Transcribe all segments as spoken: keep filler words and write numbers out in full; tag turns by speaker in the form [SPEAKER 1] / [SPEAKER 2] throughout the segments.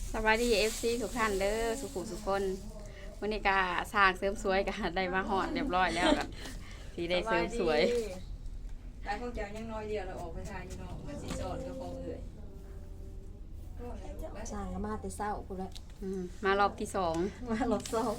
[SPEAKER 1] สวัสดีเอฟซีทุกท่านเด้อสุขุสุขคนวันนี้กาสร้างเสริมสวยกันได้มาหอดเรียบร้อยแล้วกันสีได้เสริมสวย
[SPEAKER 2] ตายพวกเจ้ายังน้อยเดียวเราออกไปทานอยู่เนาะมันสีสอนกับของเอ่ย
[SPEAKER 3] สร้างก็มาแต่เศร้ากูละ
[SPEAKER 1] อืมมารอบที่สอง
[SPEAKER 3] มารถเศร้า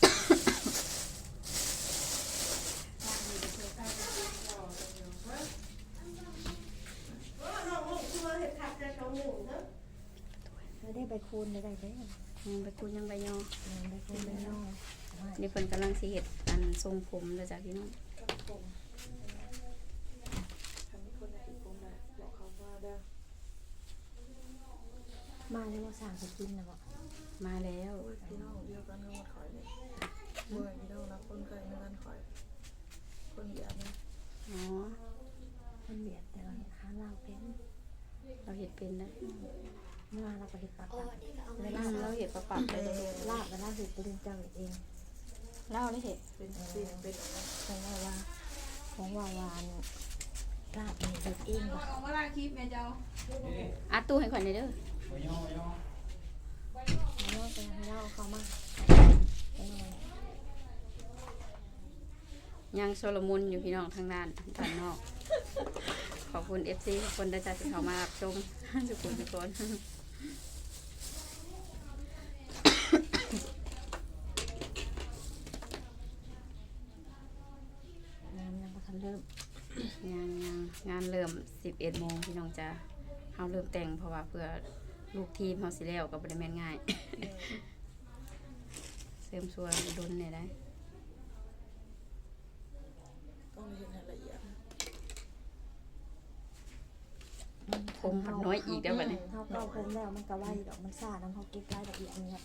[SPEAKER 3] ไม่ได้ไปคูณไม่ได้ได้
[SPEAKER 1] อืมไปตูนยังใบยอ
[SPEAKER 3] ไปคูณไม่น้อง
[SPEAKER 1] นี่เพิ่นกำลังสิเฮ็ดอันทรงผมแล้วจ้ะพี่น้อง
[SPEAKER 3] มาเลยว่าสร้างจะกินนะบอก
[SPEAKER 1] มาแล้ว
[SPEAKER 2] พี่น้องเดียวกันทั้งหมดข่อยเลยเมื่อพี่น้องรักคนไกลในกันข่อยคนเดียวนะ
[SPEAKER 1] อ๋อ
[SPEAKER 3] มันเบียดแต่เราหาเราเป็น
[SPEAKER 1] เราเฮ็ดเป็นนะ
[SPEAKER 3] เมื่อเราไปเห็ดปากปาก
[SPEAKER 1] เวลาเราเฮ็ดประปับเลย
[SPEAKER 3] ลาบแล้วลาบเห็ดตัวเจ้าเอง
[SPEAKER 1] เล่าเลยเฮ็ด
[SPEAKER 2] เป็นสิ่งเป็นอะไร
[SPEAKER 3] ของว่าว่าของว่าวานลาบเห็ดเองว่ะ
[SPEAKER 2] เอามาล่าคลิปแม่เจ้า
[SPEAKER 1] อัดตู้ให้ข่อยหน่อยเด้อ
[SPEAKER 3] แล้วไปให้เราเข้ามาไปหน่อย
[SPEAKER 1] ยังโซโลมุนอยู่พี่น้องทางด้านด้านนอกขอบคุณ เอฟ ซี ทุกคนได้จ้ะที่เข้ามารับชมทุกคนทุกคน
[SPEAKER 3] งานยังไม่ทันเริ่ม
[SPEAKER 1] ยังยังงานเริ่มสิบเอ็ดโมงพี่น้องจะเฮาเริ่มแต่งเพราะว่าเพื่อลูกทีมเฮาสิแล้วก็บ่ได้แม่นง่ายเสริมสวยดนเนี่ยได้
[SPEAKER 2] ต้องเห็นรายละเอียด
[SPEAKER 1] ผมมันน้อยอีกเด้อบัดนี้
[SPEAKER 3] เขาเก้าผมแล้วมันก็ไวดอกมันซ่าน้ำเขาเก็บรายละเอียดเนี่ย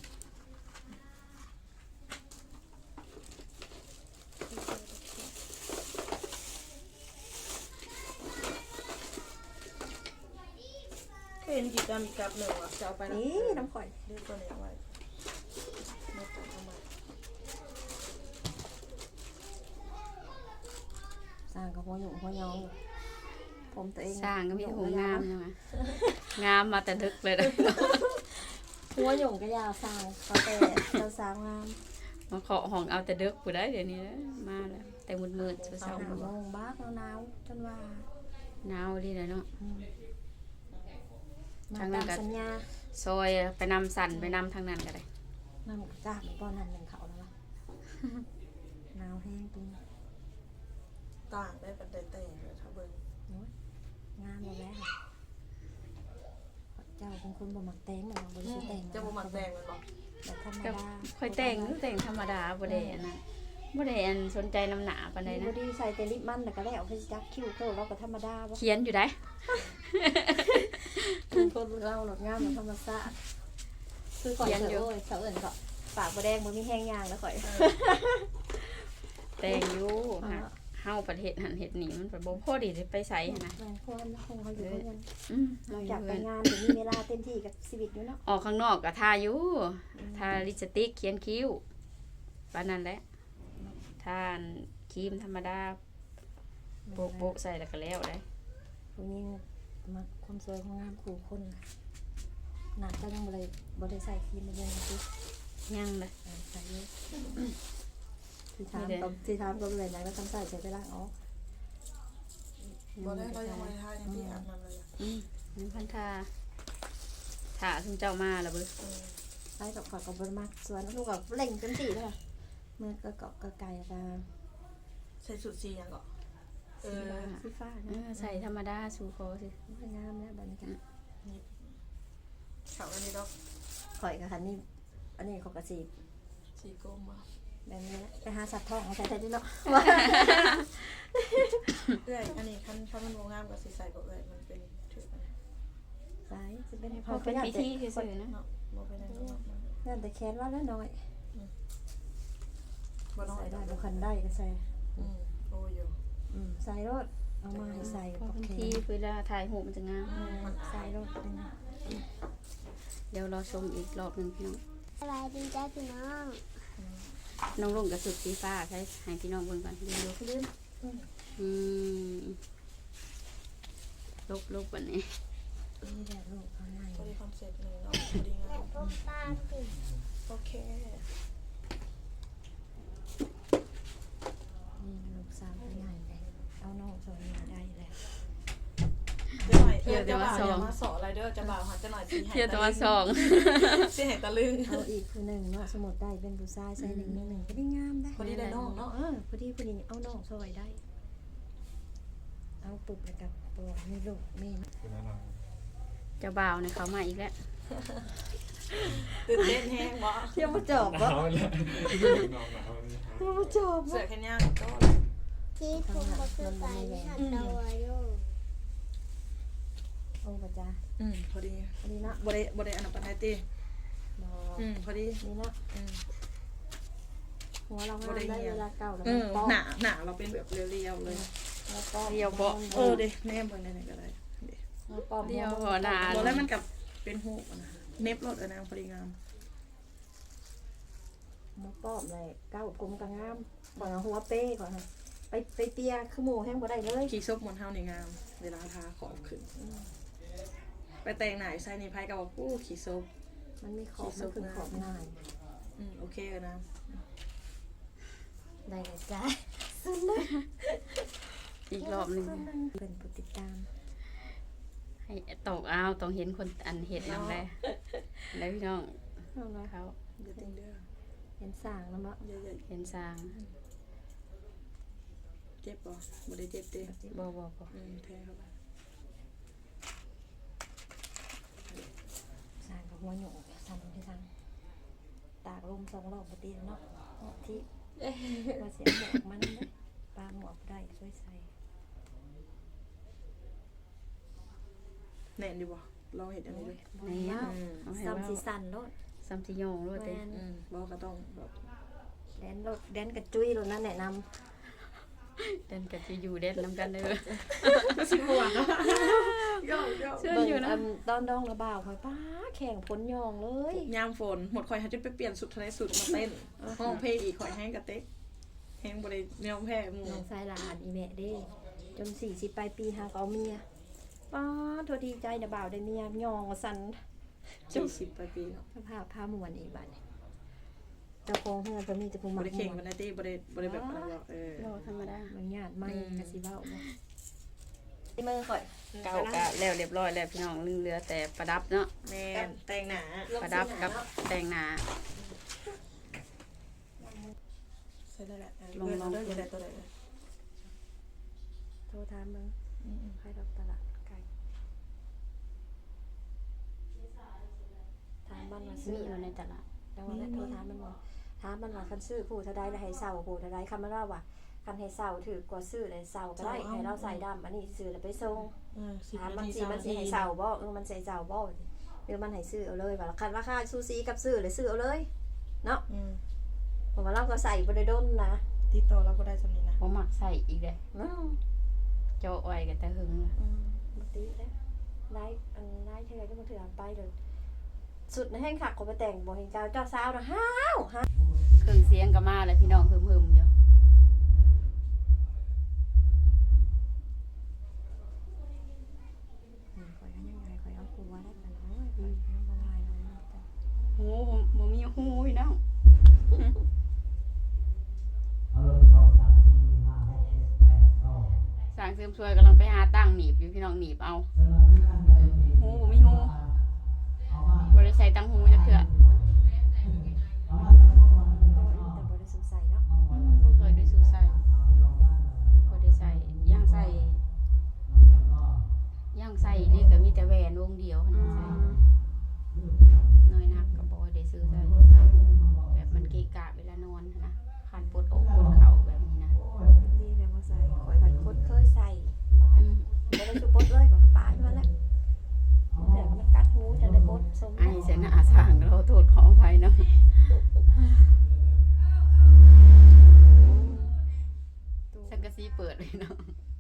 [SPEAKER 2] เคยเห็นกิจกรรมอีกกับหนึ่งอ่ะจะเอาไปนะ
[SPEAKER 3] นี่น้ำข่อย
[SPEAKER 2] เรียกตัวไหนไว้ไม่ต้องทำไม
[SPEAKER 3] สร้างกับหัวหยุ่งหัวยองผมตัวเอง
[SPEAKER 1] สร้างก็มีแต่ผมงามใช่ไหมงามมาแต่ลึกเลยนะ
[SPEAKER 3] หัวหยุ่งก็ยาวสร้างเขาแต่เราสร้างงาม
[SPEAKER 1] มาเคาะห้องเอาแต่ดึกผู้ได้เดี๋ยวนี้นะมาแล้วแต่มืดๆเช้า
[SPEAKER 3] สามโมงบ้าหนาวๆจนว่า
[SPEAKER 1] ๆหนาวดีเลยเนาะ
[SPEAKER 3] มา
[SPEAKER 1] ทางนั้
[SPEAKER 3] ตาน ม
[SPEAKER 1] ก็
[SPEAKER 3] สัญญา
[SPEAKER 1] ซอยไปนำสั่นไปนำทางนั้นก็ได้
[SPEAKER 3] นั่งจ้าไปป้อนนั่นหนึ่งเขาแล้ววะหนาวแห้งตุ้ง
[SPEAKER 2] ต่างได้ปันได้แต่งเลยถ้าเบิ่ง
[SPEAKER 3] งามหมดแล้วเจ้าเป็นคนบ่มักแต่งเหมือนเราบ่ได้แต่ง
[SPEAKER 2] จะบ่มักแต่งมันบอก
[SPEAKER 3] แบบธรรม
[SPEAKER 1] ก็
[SPEAKER 3] ดา
[SPEAKER 1] ค่อยแต่งอยู่แต่งธรรมดาบ่ได้อันนั้นบ่ได้อันสนใจน้ำหนาปานใด
[SPEAKER 3] บ่
[SPEAKER 1] นะ
[SPEAKER 3] ได้ใส่แต่ลิปมันแต่ก็ได้เอาไปจักคิ้วเท่าเราก็ธรรมดาบ่
[SPEAKER 1] เขียนอยู่ได้
[SPEAKER 3] เป็นคนเราหลดงามเหมือนธรรมชาติคือข่อยเถอะโอ้ยเสาเอิญก็ปากบ่แดงบ่มีแห้งยางแล้วข่อย
[SPEAKER 1] แต่งอยู่ฮะเฮาประเทศหันเฮ็ดนี่มันก็บ่พอดีได้ไปไสหันนะ
[SPEAKER 3] แม่นควรคงเขาอยู่เพื่อน
[SPEAKER 1] อืม
[SPEAKER 3] น
[SPEAKER 1] เรา
[SPEAKER 3] อก
[SPEAKER 1] อ
[SPEAKER 3] จา
[SPEAKER 1] ยู่
[SPEAKER 3] กไป
[SPEAKER 1] เพิ่น
[SPEAKER 3] งานจะมีเวลาเต็มที่กับชีวิตอยู่เนาะ
[SPEAKER 1] ออกข้างนอกก็ทาอยู่ทาลิปสติกเขียนคิ้วปานนั้นแหละทาครีมธรรมดาโปะๆใส่แล้วก็แล้วได้
[SPEAKER 3] ผู้หญิงมาคนสวยคนงามคู่คนหนักก็ยังบ่ได้บ่ได้ใส่ครีมมาเยอะสิ
[SPEAKER 1] ยังเลย
[SPEAKER 3] ใส่เยอะที่ถามก็ที่ถามก็เลยนะแล้วทำใส่ใส่ไปล้างออก
[SPEAKER 2] บอกได้เรายังไม่ทายังที่อาบน้ำเลย
[SPEAKER 1] อืมยังพันทาถาซึ่งเจ้ามาแล้วเบิ่
[SPEAKER 3] ใส่กับขอดกับบนมากส่วนลูกกับเล่งเต็มที่เลยเมื่อก็เกาะก็ไก่ก็
[SPEAKER 2] ใส่สุดสีอย่างก่อนเอ
[SPEAKER 3] สี
[SPEAKER 2] อ
[SPEAKER 3] ฟ้าสีฟ้า
[SPEAKER 1] เอ
[SPEAKER 3] นะ
[SPEAKER 1] อใส่ธรรมดาสู่คอสิ
[SPEAKER 3] งามแล้วบรรยากาศ
[SPEAKER 2] เขาอันนี้ดอก
[SPEAKER 3] ข่อยกับคันนี้อันนี้เขากระสี
[SPEAKER 2] สีกลมมา
[SPEAKER 3] แบบนี้ไปหาสัตว์ทองเอาใส่ใส่ด้วยเนาะ
[SPEAKER 2] เอ้ยอันนี้คันคันมันโมงามกับสีใสกับเอ้ยมันเป็นถือกัน
[SPEAKER 3] สายจะเป็น
[SPEAKER 1] พอเป็นพิธีซื่อๆนะ
[SPEAKER 2] เนาะโมเป็นอะไรเนาะ
[SPEAKER 3] นั่นแต่แขนว่าแล้วน้อย
[SPEAKER 2] บ่น้อ
[SPEAKER 3] ใส่
[SPEAKER 2] ย
[SPEAKER 3] ได้
[SPEAKER 2] ได้
[SPEAKER 3] บุคันได้ก็ใส่
[SPEAKER 2] อืมโอ้ย
[SPEAKER 3] อืมใส่รถเอามาให้ใส่
[SPEAKER 1] พอ
[SPEAKER 3] ปอก
[SPEAKER 1] เป็น
[SPEAKER 3] แข
[SPEAKER 1] ที
[SPEAKER 3] น
[SPEAKER 1] เวลาถ่ายหูปมันจะงาม
[SPEAKER 2] มัน
[SPEAKER 3] ใส่รถเป็น
[SPEAKER 1] เดี๋ยวรอชมอีกรอบหนึงพี่น้อง
[SPEAKER 4] สบายดีจ้าพี่น้อง
[SPEAKER 1] น้องลงกับสุดสีฟ้าใช้ให้พี่น้องเบิ่งก่อนดูดูขึ้นอืมลบลบวันนี้
[SPEAKER 3] นี่แหละลูกข้างใน
[SPEAKER 2] ก็มีความเสร็จเลยเนาะพอดีงาม
[SPEAKER 4] พบป้าสิ
[SPEAKER 2] โอเค
[SPEAKER 3] นี่ลูกสาวเป็นใหญ่เลยเอาน้องสอนมาได้แล้ว
[SPEAKER 2] จะหน่อยเที่ยวจะบ่าวอย่ามาสออะไรเด้อจะบ่าวหาจะหน่อยสิให้
[SPEAKER 1] เที่ยวตะวันสอง
[SPEAKER 2] สิให้ตะลึง
[SPEAKER 3] เอาอีกผู้หนึ่งเนาะสมุดได้เป็นผู้ชายใส่หนึ่งหนึ่งหนึ่งก็ได้งามได้
[SPEAKER 2] พอดีเลยน้องเนาะ
[SPEAKER 3] เออพอดีพอดีเอาน้องซอยได้ เอาปุบแล้วกับตัวมีลูกมี
[SPEAKER 1] เจ้าบ่าวเนี่ยเขามาอีกแล้ว
[SPEAKER 2] ตื่นเต้นแห้งบ่
[SPEAKER 3] เที่ยวมาจอบวะเที่ยวมาจอบ
[SPEAKER 2] เสือ
[SPEAKER 3] วะ
[SPEAKER 2] แค่ย่างก็
[SPEAKER 4] ที่ผมก็คือไปหัดเอาไว้โย
[SPEAKER 3] โอ้ปะจ้า
[SPEAKER 2] อืมพอดี
[SPEAKER 3] พอดีเนาะ
[SPEAKER 2] บ่ได้บ่ได้อันนั้นปานใดติ
[SPEAKER 3] บอ
[SPEAKER 2] อืมพอดี
[SPEAKER 3] นี่เนาะ
[SPEAKER 2] อืม
[SPEAKER 3] หัวเรางามได้เวลาเก่าแล้ว
[SPEAKER 2] เอ
[SPEAKER 3] มัน
[SPEAKER 2] อ
[SPEAKER 3] ป้อม
[SPEAKER 2] หนาหนาเราเป็นแบบเรียวๆเลย
[SPEAKER 3] แล้วป้อม
[SPEAKER 1] เรียวเบาะ
[SPEAKER 2] เออเด้แนมเบิ่งได้ไหนก็ได้เด้
[SPEAKER 3] แล้วป้อม
[SPEAKER 1] เรียวหัวหนา
[SPEAKER 2] บ่แล้วมันกับเป็นหูกอะนะเน็บรถเออนางพอดีงาม
[SPEAKER 3] หัวป้อมเลยเก้ากลมกระงามก่อนเอาหัวเป้ก่อนค่ะไปไปเปียคือหมูแห้งบ่ได้เลย
[SPEAKER 2] ขี่ซบมนเฮานี่งาม เวลาทาขอบขึ้น ไปแต่งหน้าอยู่ไสนี่ไผก็บอกอู้ขี่ซบ
[SPEAKER 3] มันมีขอบมันคือขอบง่าย
[SPEAKER 2] อืมโอเคเออนะ
[SPEAKER 3] ได้เลยจ้า
[SPEAKER 1] อีกรอบหนึง
[SPEAKER 3] เป็นผู้ติดตาม
[SPEAKER 1] ให้ตกเอาต้องเห็นคนอันเห็ดนำแล้วแล้วพี่น้อง
[SPEAKER 3] เอาละ
[SPEAKER 1] เขา
[SPEAKER 2] อย่าติงเด้อ
[SPEAKER 3] เห็นสร้างแล้วมั้ง
[SPEAKER 2] อย่าอย่า
[SPEAKER 1] เห็นสร้าง
[SPEAKER 2] เจ็บบ่บ่ได้เจ็บเด้
[SPEAKER 1] บ่บ่บ่
[SPEAKER 2] อืมแท้เข้าไป
[SPEAKER 3] สร้างกับหัวหนูทำให้สร้างตากลมสองรอบปกติเนาะเนาะที่มาเสียหมวกมันเลยปลาหมวกได้ช่วยใส่
[SPEAKER 2] แน่นดีบ่ลองเฮ็ดอันนี้ดู
[SPEAKER 1] นี่
[SPEAKER 3] เนาะ
[SPEAKER 1] เอาให้
[SPEAKER 3] ซ้ำ
[SPEAKER 1] ว่า
[SPEAKER 3] สีสันรถ
[SPEAKER 1] ซ้ำสิโยงรถเด้
[SPEAKER 3] แมน
[SPEAKER 2] อืมบ่ก็ต้องแบบ
[SPEAKER 3] แดนรถแดนกระจุยรถนั่นแนะน
[SPEAKER 1] เดินกันจะอยู่เด็ดนำกันเด้อ
[SPEAKER 2] สิบ่วย่อ
[SPEAKER 1] เชื่อ
[SPEAKER 3] ำเบิ่ง
[SPEAKER 1] อยู่นะ
[SPEAKER 3] อันตอนดองระบ่าวคอยป้าแข่งพ้นยองเลย
[SPEAKER 2] ยามฝนหมดข่อยหาจนไปเปลี่ยนสุดทะเลสุดมาเต้นห้องเพลงอีกข่อยแห้งกะเต๊กแห้งบ่ได้แนวแพ้หมู่
[SPEAKER 3] น้องชายหลานอีแม่เด้ จนสี่สิบปลายปีหาเขาเมียป้าทัวดีใจนะบ่าวได้เมียยองสัน
[SPEAKER 2] สี่สิบปลายปีเนาะ
[SPEAKER 3] สภาพผ้ามวนอีกบัดนี้เจ้าของเฮือนก็มีแต่ผู้
[SPEAKER 2] บ่
[SPEAKER 3] มัก
[SPEAKER 2] ได้
[SPEAKER 3] ม
[SPEAKER 2] เข่ง
[SPEAKER 3] ว
[SPEAKER 2] บ่
[SPEAKER 3] น
[SPEAKER 2] ได้ติบ่ได้บ่ได้แบบอะไรหรอกเออ
[SPEAKER 1] โลธรรมดา
[SPEAKER 3] บางญาติไม่
[SPEAKER 2] อืม
[SPEAKER 3] กะสิเว้าบ่ที่มือข่อย
[SPEAKER 1] เก่ากะแล้วเรียบร้อยแล้วพี่น้องลืมเหลือแต่ประดับเนาะ
[SPEAKER 2] แม่นแต่งหน้า
[SPEAKER 1] ประดับกับแต่งหน้า
[SPEAKER 2] ใส่ได้แหละ
[SPEAKER 1] ลองลอง
[SPEAKER 2] เด้ออย่าได้ตัวใดเลย
[SPEAKER 3] โทรถามเบิ่ง
[SPEAKER 2] อืม
[SPEAKER 3] ใครดอกตลาดไก่ถามมันว่า
[SPEAKER 1] มี
[SPEAKER 3] ซื้อ
[SPEAKER 1] อยู่ในตลาด
[SPEAKER 3] จังว่าแล้วโทรถามมันว่าถามมันว่าคันซื้อผู้เท่าใดแล้วให้เซาผู้เท่าใดคำมันว่าว่าคันให้เซาถือกว่าซื้อเลยเซาก็ได้ให้เราใส่ดำอันนี้ซื้อแล้วไปส่ง
[SPEAKER 2] เออสิบ
[SPEAKER 3] ถามมัน
[SPEAKER 2] นาที
[SPEAKER 3] สิมันสิให้เซาบ่เออมันใส่เซาบ่หรือมันให้ซื้อเอาเลยว่าคันราคาซูซีกับซื้อเลยซื้อเอาเลยเนาะ
[SPEAKER 2] อืม
[SPEAKER 3] เพราะว่าเราก็ใส่บ่ได้ดนนะ
[SPEAKER 2] ติดต่อเราก็ได้สำนี้นะ
[SPEAKER 1] บ่มักใส่อีกเด้
[SPEAKER 3] เนาะ
[SPEAKER 1] เจ้าอ้อยกันแต่หึง
[SPEAKER 3] อืมบ่ติแล้วได้อันได้เท่าไหร่ก็บ่ถือไปเลยสุดในแห้งคักก็ไปแต่งบ่เห็นเจ้าเจ้าสาวนะฮ้าวฮะ
[SPEAKER 1] เครื่องเสียงก็มาแล้วพี่น้องหึมๆอยู่
[SPEAKER 3] อืมข่อยก็ยังไงข่อยเอาครัวได้กันโอ้ยข่อยยังบ่ง่ายเลยนะแต่
[SPEAKER 1] หูบ่มีหูพี่น้องสร้างเสริมสวยกำลังไปหาตั้งหนีบอยู่พี่น้องหนีบเอาหูบ่มีหูบ่ได้ใส่ตั้งหูจักเทื่อ
[SPEAKER 3] แต่บ่ได้สงสัยเนาะ
[SPEAKER 1] อืมบ่เคยได้สู่ใส่บ่ได้ใส่ย่างใส่ย่างใส่นี่ก็มีแต่แหวนวงเดียวหั่นใส่น้อยนักก็บ่ได้ซื้อใส่แบบมันเกะกะเวลานอนหั้นนะคันปวดอกปวดเข่าแบบนี้นะ
[SPEAKER 3] ดีแล้วบ่ใส่ข่อยบัดคนเคยใส่
[SPEAKER 1] อืม
[SPEAKER 3] บ่ได้สุปดเลยก็ปาดมันแหละแต่มันกัดหูจะได้ปดสม
[SPEAKER 1] ไอ้เสนาสร้างเราโทษขออภัยเนาะ สังกะสีเปิดเลยเนาะ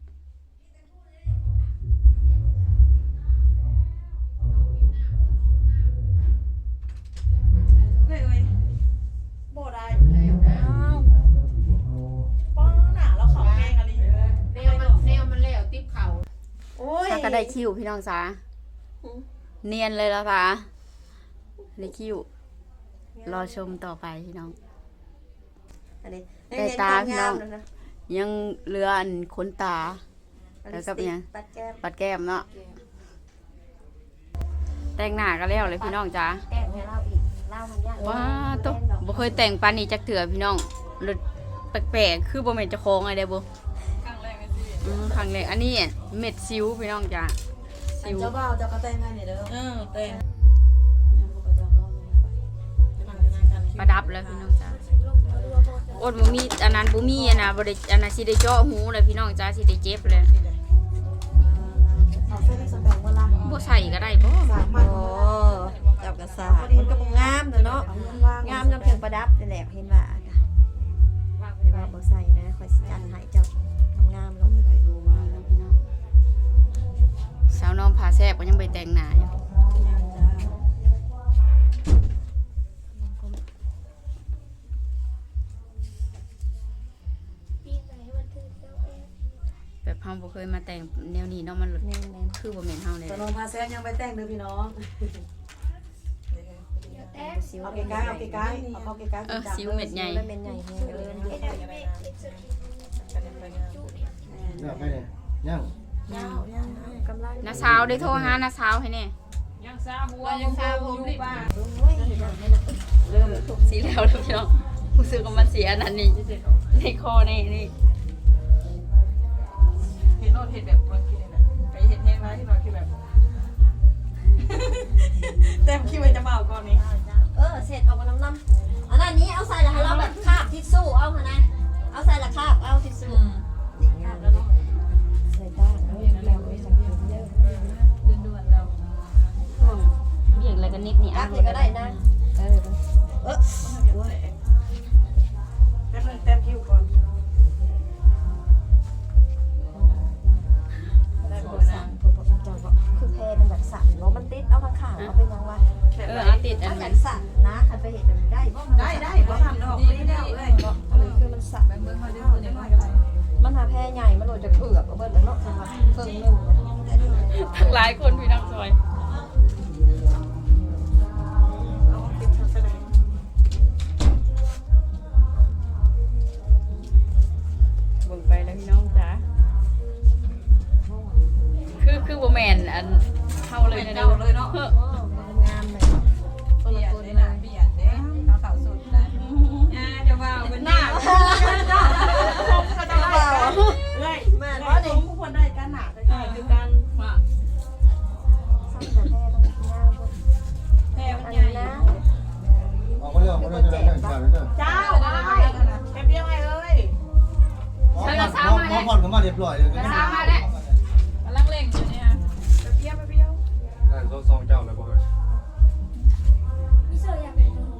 [SPEAKER 2] เฮ้ยเอ้ยบ่ได้
[SPEAKER 1] อ้าว
[SPEAKER 2] ป้องหน้าเราเขาแห้งอะไร
[SPEAKER 1] แนวมันแนวมันแล้วติ๊บเข่า
[SPEAKER 3] โอ้ย
[SPEAKER 1] ถ้าก็ได้คิวพี่น้องสาเนียนเลยละสาในคิวรอชมต่อไปพี่น้อง
[SPEAKER 3] อันนี้
[SPEAKER 1] แต่ตาพี่น้อง
[SPEAKER 3] เห็นความงามแล้วนะ
[SPEAKER 1] ยังเหลืออันขนตา แล้วก็เป็นไง
[SPEAKER 3] ปัดแก้ม
[SPEAKER 1] ปัดแก้มเนาะแต่งหน้าก็แล้วเลยพี่น้องจ้า
[SPEAKER 3] แก้มให้เราอีกเล่ามันยาก
[SPEAKER 1] ว้าตุ๊บ่เคยแต่งปานนี้จักเถื่อพี่น้องรถแปลกๆคือบ่แม่นเจ้าของอะไรเด้อบ่
[SPEAKER 2] ครั้งแรกในชีวิต
[SPEAKER 1] อืมครั้งแรกอันนี้เม็ดซิวพี่น้องจ้าซิว
[SPEAKER 3] เจ้าบ่าวเจ้าก็แต่งงานนี่เด้อ
[SPEAKER 2] เออเต้น
[SPEAKER 1] ประดับแล้วพี่น้องจ้าอดบ่มีอันนั้นบ่มีอันน่ะบ่ได้อันน่ะสิได้เจาะหูเลยพี่น้องจ้าสิได้เจ็บเลย
[SPEAKER 3] เอาเสื้อสแปงว่าล่ะ
[SPEAKER 1] บ่ใส่ก็ได้บ่
[SPEAKER 3] สามพันโอ้เจ้ากระสามันก็บ่งามเด้อเนาะงามนำเครื่องประดับนี่แหละเห็นว่าจ้ะเห็นว่าบ่ใส่นะข่อยสิจัดให้เจ้างามๆเนาะ
[SPEAKER 1] พี่น้องสาวน้องผาแซ่บก็ยังไปแต่งหน้าอยู่
[SPEAKER 4] ปีไหนวันที่เจ้าเอง
[SPEAKER 1] แบบเฮาบ่เคยมาแต่งแนวนี้เนาะมัน
[SPEAKER 3] แม่น
[SPEAKER 1] คือบ่แม่นเฮาเลย
[SPEAKER 5] ตอนนพาแซงยังไปแต่งเด้อพี่น้อง
[SPEAKER 4] เดี๋ยวแต้
[SPEAKER 3] ๆสิว
[SPEAKER 5] เอาใกล้ๆเอาใกล้ๆเอาเข้าใกล้ๆ
[SPEAKER 1] เออซิวเม็ดใหญ่
[SPEAKER 3] แล้วเม็ดใหญ่แฮงเลย
[SPEAKER 4] ไอ้ดำเมฆลิสติจุเนี่ย
[SPEAKER 6] เลือกไปเลยยัง
[SPEAKER 3] กำลัง
[SPEAKER 1] น้าสาวได้โทรหาน้าสาวให้แน่
[SPEAKER 2] ยังซาหัวยังซาผมรีบมา
[SPEAKER 3] โอ้ยเห็นไหมน่ะ
[SPEAKER 1] เริ่มสีแล้วแล้วพี่น้องรู้สึกว่ามันเสียอันนั้นนี่ในคอนี่นี่
[SPEAKER 2] เห็นโนดเห็นแบบบางทีเนี่ยนะไปเห็นแห้งนะที่เราคือแบบเต็มคิวจะมาเอาก่อนนี้
[SPEAKER 3] เออเสร็จเอามาน้ำน้ำอันนั้นนี้เอาใส่ละให้เราแบบคาบทิชชู่เอาค่ะนะเอาใส่ละคาบเอาทิชชู่นี่งามแล้วเนาะใส่ได้แล้วยังแล้วไม่สังเกตเยอะ
[SPEAKER 2] ด่วนๆแล้ว
[SPEAKER 1] เบี่ยงอะไรกันนิดนี่
[SPEAKER 3] กั
[SPEAKER 1] อ่ะ
[SPEAKER 3] บนี่ก็ได้นะเออเออ
[SPEAKER 2] แป๊บนึงเต็มคิวก่อน
[SPEAKER 3] ได้บทสั่งเพื่อบอกเจ้าก็คือแพรมันแบบสั่นเนาะมันติดเอาข้างๆเอาเป็นยังวะ
[SPEAKER 1] เออเอาติดอั
[SPEAKER 3] ถ้าน อ
[SPEAKER 1] นั้
[SPEAKER 3] ยาน กสั่นนะคันไปเห็นมันได้บ่
[SPEAKER 2] ได้ได้เพราะทำดอกไม่ได้แล้วเลย
[SPEAKER 3] อันนี้คือมันสั่น
[SPEAKER 2] เมื่อเขาได้พูดอย่างไรก็ได้
[SPEAKER 3] มันหาแพรใหญ่มันโหลดจะเกือบเอาเบิดแล้วเนาะสำหรับเครื่องนึง
[SPEAKER 1] ทั้งหลายคนพี่น้องซอย
[SPEAKER 2] เอาเก็บทัศนัย
[SPEAKER 1] เบิ่งไปแล้วพี่น้องจ้าคือคือบ่แม่นอันเฮาเลยนะ
[SPEAKER 2] เจ้าเลยเนาะ
[SPEAKER 1] เฮ้อ
[SPEAKER 3] มันงามเลยคน
[SPEAKER 2] เบี
[SPEAKER 3] ละ
[SPEAKER 2] ยด
[SPEAKER 3] คน
[SPEAKER 2] เลย
[SPEAKER 3] เล
[SPEAKER 2] นะ
[SPEAKER 3] ย
[SPEAKER 2] เบียดเด้เขาเขาสุดนะอ่าจะว่าเป็นหน้าเขาจะว่าเลย
[SPEAKER 3] แม่
[SPEAKER 2] เพ
[SPEAKER 3] ว่า
[SPEAKER 2] ราะ
[SPEAKER 3] ดิ
[SPEAKER 2] ผมผู้คนได้การหนาได้การคือการว่า
[SPEAKER 3] สั่นแต่แพรต้องงามคน
[SPEAKER 2] แพ้มัน
[SPEAKER 3] อัน
[SPEAKER 2] ใหญ่
[SPEAKER 3] นี้นะ
[SPEAKER 6] ออกมาเรื่องมาเรื่องจะได้แข่งขันแล้วเด้อ
[SPEAKER 2] เจ้าได้แค่เพียงไงเอ้ย
[SPEAKER 6] พอผ่อนก็มาเรียบร้อยเลย
[SPEAKER 1] น้าสาวมาแล้ว
[SPEAKER 2] กำลังเล่งอยู่เนี่ยไปเพี้ยวไปเพี้ยว
[SPEAKER 6] ได้สองเจ้าเลยบ่เฮ้ย
[SPEAKER 4] มิโซะอยากเป็นดู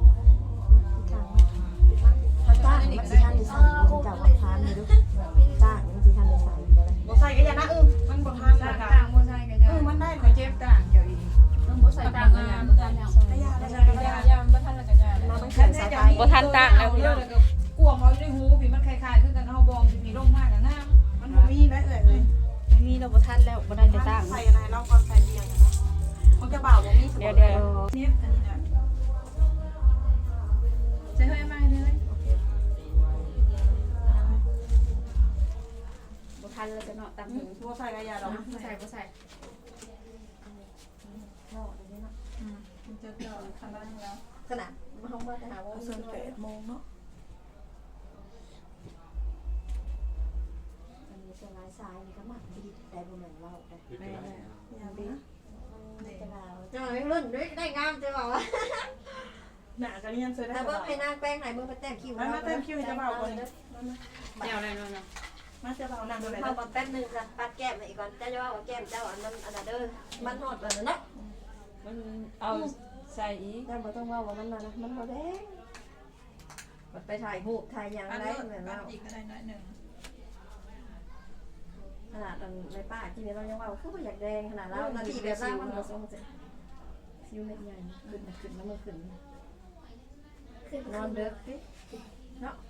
[SPEAKER 3] ถ้าจ้างมันสิทันได้ใส่มันจะว่าทานนี่ดูจ้างมันสิทันได้ใส่บ่ได้
[SPEAKER 2] บ่ใส่ก็อย่านะเออมันบ่ทันนะ
[SPEAKER 5] ต่างบ่ใช่กัน
[SPEAKER 2] เออมันได้ขอเจ็บต่างเดี๋ยวอีก
[SPEAKER 5] ต้องบ่ใส่ต่างกันอย่างบ่ทันแล้ว
[SPEAKER 2] กระยากระยากระยายาบ่ทันแล้วกระยา
[SPEAKER 3] มามันแข็งสายไฟ
[SPEAKER 1] บ่ทันตั้งแล้วพี่น้อง
[SPEAKER 2] กลัวเขาในหูพี่มันคล้ายๆคือกันเฮาบองสิมีลงมากนะน้ำมันบ่มีได้เอ่ยเลย
[SPEAKER 1] ไม่มีเราบ่ทันแล้วบ่ได้จะตั้ง
[SPEAKER 2] ใส่อะไรเราก่อนใส่เบียร์นะมันจะเบาบ่มีสม
[SPEAKER 1] เดี๋ยว
[SPEAKER 2] บูรณ์
[SPEAKER 1] เดี๋ยว
[SPEAKER 2] เนียบอันนี้นะใส่เฮ้ยมาเลย
[SPEAKER 1] บ่ทันแล้วจะเนาะตามถึง
[SPEAKER 2] บ่ใส่กระยาดอก
[SPEAKER 1] บ่ใส่บ่ใส่
[SPEAKER 3] นอกอันนี้เนาะ
[SPEAKER 2] มันจะเจาะคันล่างแล้ว
[SPEAKER 3] ขนาดมาเฮามาแต่หาว่า
[SPEAKER 2] เอาส่วนแปดโมงเนาะ
[SPEAKER 3] อันนี้จะลายทรายนี่ก็มักดีได้บ่แม่นเว้าได้
[SPEAKER 2] แม่แม่ยาดี
[SPEAKER 3] จะลาวจังไม่รุ่นด้วยได้งามจะบอกว่า
[SPEAKER 2] หนากันยังเสร็จได้
[SPEAKER 3] แต่เบิ่งให้นางแป้งไหนเบิ่งไปแต่งคิว
[SPEAKER 2] มามาเต็มคิวให้จะเบาก่อน
[SPEAKER 1] แนวอะไรเนาะ
[SPEAKER 2] มาจะเบานั่งดูเลย
[SPEAKER 3] เข้ามาแป๊บนึงค่ะปัดแก้มอีกก่อนเจ้าจะว่าว่าแก้มเจ้าอันนั้นอันนั้นเด้อมันฮอดแล้วเนาะ
[SPEAKER 5] มันเอาใส่อีก
[SPEAKER 3] เจ้าบ่ต้องว่าว่ามันนะมันบ่แดงมันไปถ่ายรูปถ่ายหยัง
[SPEAKER 2] อัน
[SPEAKER 3] ได้
[SPEAKER 2] นี้
[SPEAKER 3] เหมือน
[SPEAKER 2] ปั
[SPEAKER 3] เรา
[SPEAKER 2] ดอีกก็ได้น้อยหนึ่ง
[SPEAKER 3] ขนาดอันในป้าที่นี่เรายังว่าคือบ่อยากแดงขนาดเรานาทีแบบล่างมันบ่ทรงเสร็จซิวเม็ดใหญ่ขึ้นขึ้นแล้วมันขึ้น
[SPEAKER 4] ขึ้น
[SPEAKER 3] นอนเด้อสิเนาะ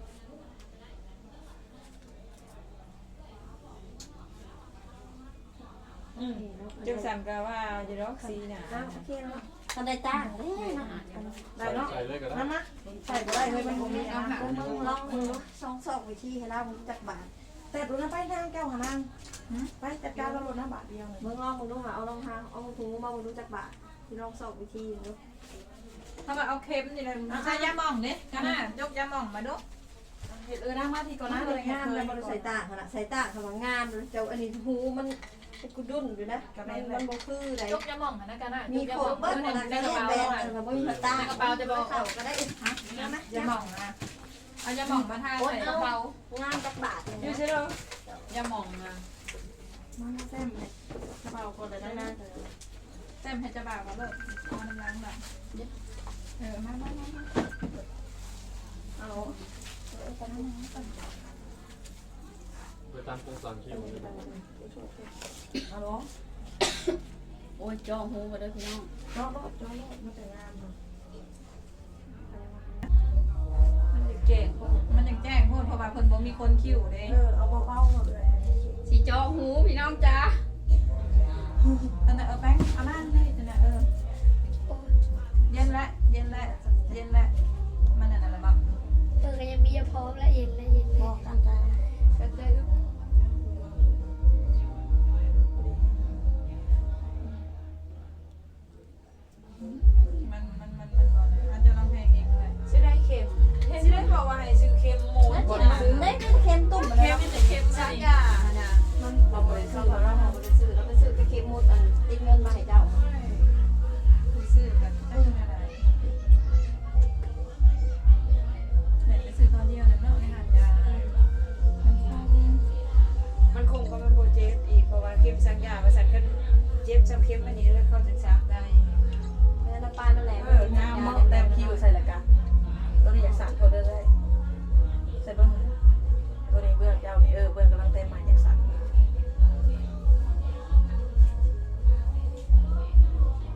[SPEAKER 5] อืมจังสั่นก็ว่าอยู่ดอกสีน่ะ
[SPEAKER 3] อ้าวโอเคเนาะก็ได้จ้างเด้นะ
[SPEAKER 2] ได้เนาะ
[SPEAKER 7] ใส่เลยก็ได้
[SPEAKER 2] มามาใส่บ่ได้เลยมันบ่มี
[SPEAKER 3] เอา
[SPEAKER 2] อา
[SPEAKER 3] หา
[SPEAKER 2] หาร
[SPEAKER 3] มึงลองมึงซองซอกวิธีให้เรามึงจักบาท
[SPEAKER 2] แต่ดูนะไปนางแก้วหานางไปจัดการแล้วรถนะบาทเดียวเลย
[SPEAKER 3] มึงลองมึงดูหาเอารองเท้าเอาถุงมามึงดูจักบาทที่ลองซอกวิธีดู
[SPEAKER 5] ถ้ามาเอาเค็มนี่เลยใส่ยาหม่องเนี่ยกันน่ะยกยาหม่องมาดู
[SPEAKER 2] เห็ดเออนั่งมาที่ก่อน
[SPEAKER 3] น้า
[SPEAKER 2] นะ
[SPEAKER 3] เล
[SPEAKER 2] เลย ย
[SPEAKER 3] งามแล้วมันใส่ตาขนาดใส่ตาขนาดงามเลยเจ้าอันนี้หูมันกุดุนอยู่นะมันมันบ่คือได
[SPEAKER 5] ยกยาหม่องนะกันน่ะ
[SPEAKER 3] มีโคเบิ้ลนะแบนแบนแล้วบ่มีตาเข้าก็ได้ฮะ
[SPEAKER 5] ยาหม่องนะเอายาหม่องมาทาใส่กระเป๋าง
[SPEAKER 3] ามจักบาท
[SPEAKER 5] อ
[SPEAKER 3] นี่
[SPEAKER 5] ยู่ใช่ไหมยาหม่องนะ
[SPEAKER 2] มาแซมเลยกระเป๋าคนเลยได้นะ
[SPEAKER 5] แต้มให้จะบ่าวเขาเลยเอาน้ำล้างแบบเออมามามา
[SPEAKER 2] เอา
[SPEAKER 7] ไปตามโครงสั่งคิวเลย
[SPEAKER 2] เอาลง
[SPEAKER 1] โอ้ยจ้องหูมาเด้อพี่น้อง
[SPEAKER 2] จอดรถจอดรถมาแต่งงานเนาะ
[SPEAKER 5] มันยังแจ้งมันยังแจ้งพูดเพราะว่าเพิ่นบ่มีคนคิวเด้
[SPEAKER 2] เออเอาเบาๆหน่อยเลย
[SPEAKER 1] สิจ้องหูพี่น้องจ้า